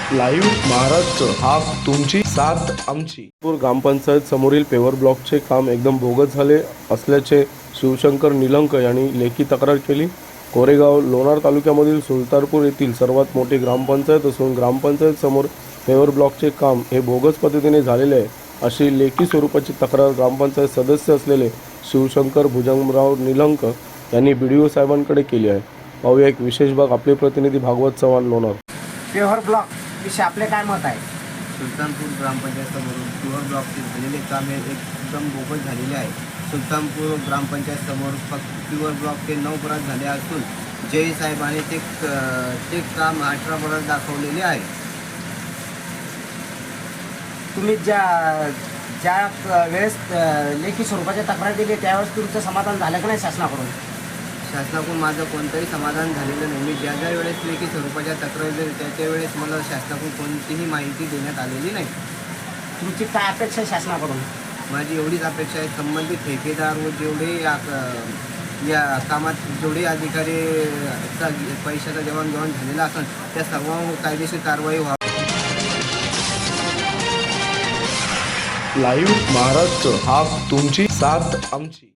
Live Maharashtra हा तुमची साथ आमची. ग्रामपंचायत समोरील पेवर ब्लॉकचे काम एकदम बोगस झाले असल्याचे शिवशंकर निलंक यांनी लेखी तक्रार केली. कोरेगाव लोणार तालुक्यामधील सुलतानपूर येथील सर्वात मोठी ग्रामपंचायत असून ग्रामपंचायत समोर पेवर ब्लॉकचे काम हे बोगस पद्धतीने झालेले आहे अशी लेखी स्वरूपाची तक्रार ग्रामपंचायत सदस्य असलेले शिवशंकर भुजंगराव निलंक यांनी BDO साहेबांकडे केली आहे. पाहूया एक विशेष भाग. आपले प्रतिनिधी भागवत चव्हाण लोणार. पेवर ब्लॉक विषयी आपले काय मत आहे? सुलतानपूर ग्रामपंचायतसमोरून पेवर ब्लॉकचे झालेले काम हे एकदम बोगस झालेले आहे. सुलतानपूर ग्रामपंचायतसमोर फक्त पेवर ब्लॉकचे 9 बरात झाले असून जय साहेबांनी ते काम 18 बरात दाखवलेले आहे. तुम्ही ज्या वेळेस लेखी स्वरूपाची तक्रार दिली त्यावेळेस तुमचं समाधान झालं का नाही शासनाकडून? शासनाकडून माझं कोणतंही समाधान झालेलं नाही. मी ज्या वेळेस लेखी स्वरूपाच्या तक्रार दिली त्याच्या वेळेस मला शासनाकडून कोणतीही माहिती देण्यात आलेली नाही. तुमची काय अपेक्षा आहे शासनाकडून? माझी एवढीच अपेक्षा आहे, संबंधित ठेकेदार व जेवढे या कामात जेवढे अधिकारी पैशाचा देवाणघेवाण झालेला असेल त्या सर्वांवर कायदेशीर कारवाई व्हावी. लाईव्ह महाराष्ट्र हा तुमची साथ आमची.